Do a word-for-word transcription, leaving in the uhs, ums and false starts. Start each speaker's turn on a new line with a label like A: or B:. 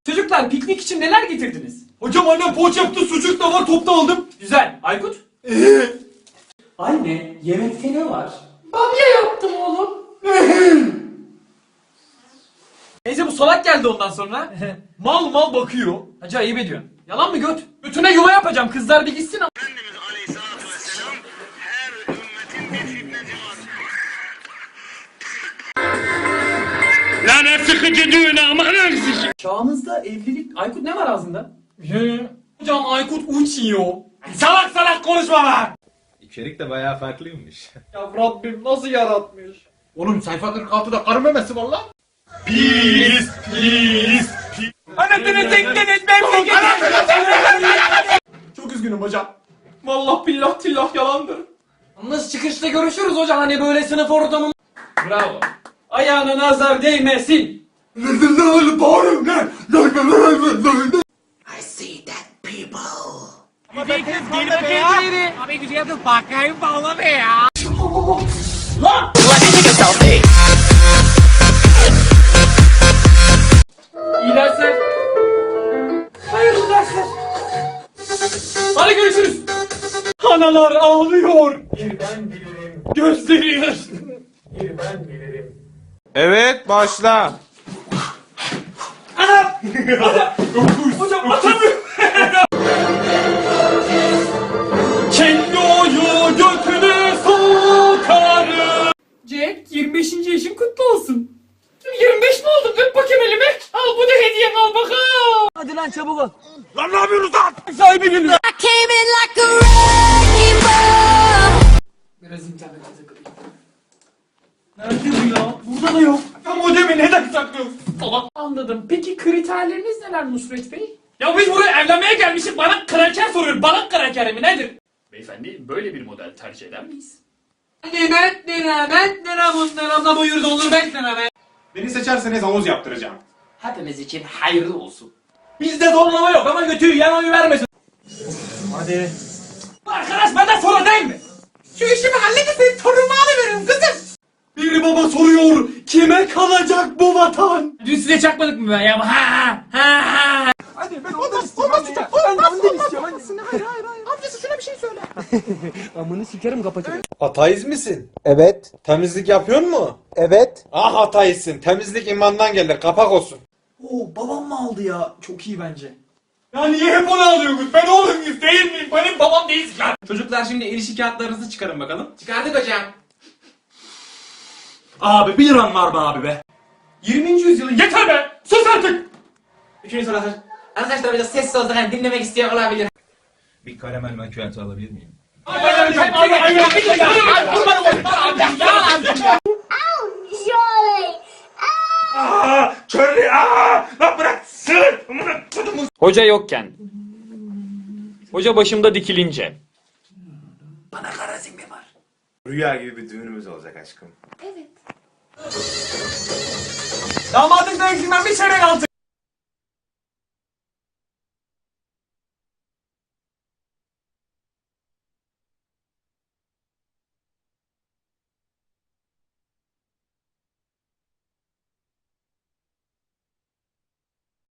A: Çocuklar piknik için neler getirdiniz?
B: Hocam annem poğaça yaptı, sucuk da var, topta aldım.
A: Güzel. Aykut?
C: Anne, yemekte ne var?
A: Bamya yaptım oğlum. Neyse bu salak geldi ondan sonra. mal mal bakıyor. Hacı ayıp ediyorsun. Yalan mı göt? Götüne yuva yapacağım. Kızlar bir gitsin ama.
D: Efendimiz Aleyhisselatü Vesselam her ümmetin bir fitneci var. Lanet sıkıcı düğüne aman öksücü.
A: Çağımızda evlilik... Aykut ne var ağzında? Hocam Aykut uçuyor. Salak salak konuşma lan.
E: İçerik de bayağı farklıymış.
A: Ya Rabbim nasıl yaratmış?
B: Oğlum sayfa kırk altıda karı memesi var lan.
A: Pis pis pis. Anasını tekleniz ben Çok üzgünüm hocam. Vallahi billah tillah yalandır. Yalnız çıkışta görüşürüz hocam hani böyle sınıf ortamı. Bravo. Ayağına nazar değmesin. İyi dersler. Hayırlı dersler. Hadi görüşürüz. Analar ağlıyor. Bir ben bilirim. Gözleri yaşlı. Bir ben bilirim.
E: Evet, başla.
A: Anam! Hocam atamıyorum. Kendi oyu götüne sokarım. Jack yirmi beşinci yaşın kutlu olsun. yirmi beş mi oldun? Öp bakayım elimi. Al bu da hediyem al bakalım. Hadi lan çabuk ol.
B: Lan ne yapıyorsunuz lan?
A: Sahibi geliyor.
F: I came in like a rainbow.
A: Biraz internete takılayım. Nerede bu ya? Burada da yok.
B: Ya modemi neden saklıyorsun?
A: Tamam. Anladım. Peki kriterleriniz neler Nusret Bey? Ya biz buraya evlenmeye gelmişiz. Bana kraker soruyor. Bana kraker mi nedir? Beyefendi böyle bir model tercih eder miyiz? Nimet nimet neramun neramla buyur dolur bekleme.
B: Beni seçerseniz havuz yaptıracağım.
A: Hepimiz için hayırlı olsun. Bizde zorlama yok ama götüyü yan oyu vermesin.
B: Hadi.
A: Arkadaş benden sonra değil mi? Şu işimi halledin torunumu alıveririm kızım.
B: Bir baba soruyor, kime kalacak bu vatan?
A: Dün size çakmadık mı ben ya? Ha ha ha ha.
B: Hadi ben ondan istiyorum. Olmaz tutar. Ben ondan istiyorum. Annesine hayır hayır hayır. Amcası şuna bir şey söyle.
E: Ateist misin? Evet. Temizlik yapıyor mu? Evet. Ah ateistsin. Temizlik imandan gelir. Kapak olsun.
A: Oo babam mı aldı ya? Çok iyi bence.
B: Ya niye hep onu alıyorsunuz? Ben oğlum muyuz değil miyim? Benim babam değilsin lan.
A: Çocuklar şimdi ilişki kağıtlarınızı çıkarın bakalım. Çıkardık hocam.
B: Abi bir liram var be abi be.
A: yirminci yüzyılın yeter be! Sus artık!
C: Üçüncü soru arkadaşlar. Arkadaşlar biraz sessiz olsak hani dinlemek isteyen olabilir.
E: Bir karamel macchiato alabilir miyim?
F: Surely.
B: Aa, Charlie aa! Lan bırak sığır!
A: Hoca yokken. Hoca başımda dikilince.
E: Rüya gibi bir düğünümüz olacak aşkım.
A: Damadın dövüşünden bir çeyrek altın.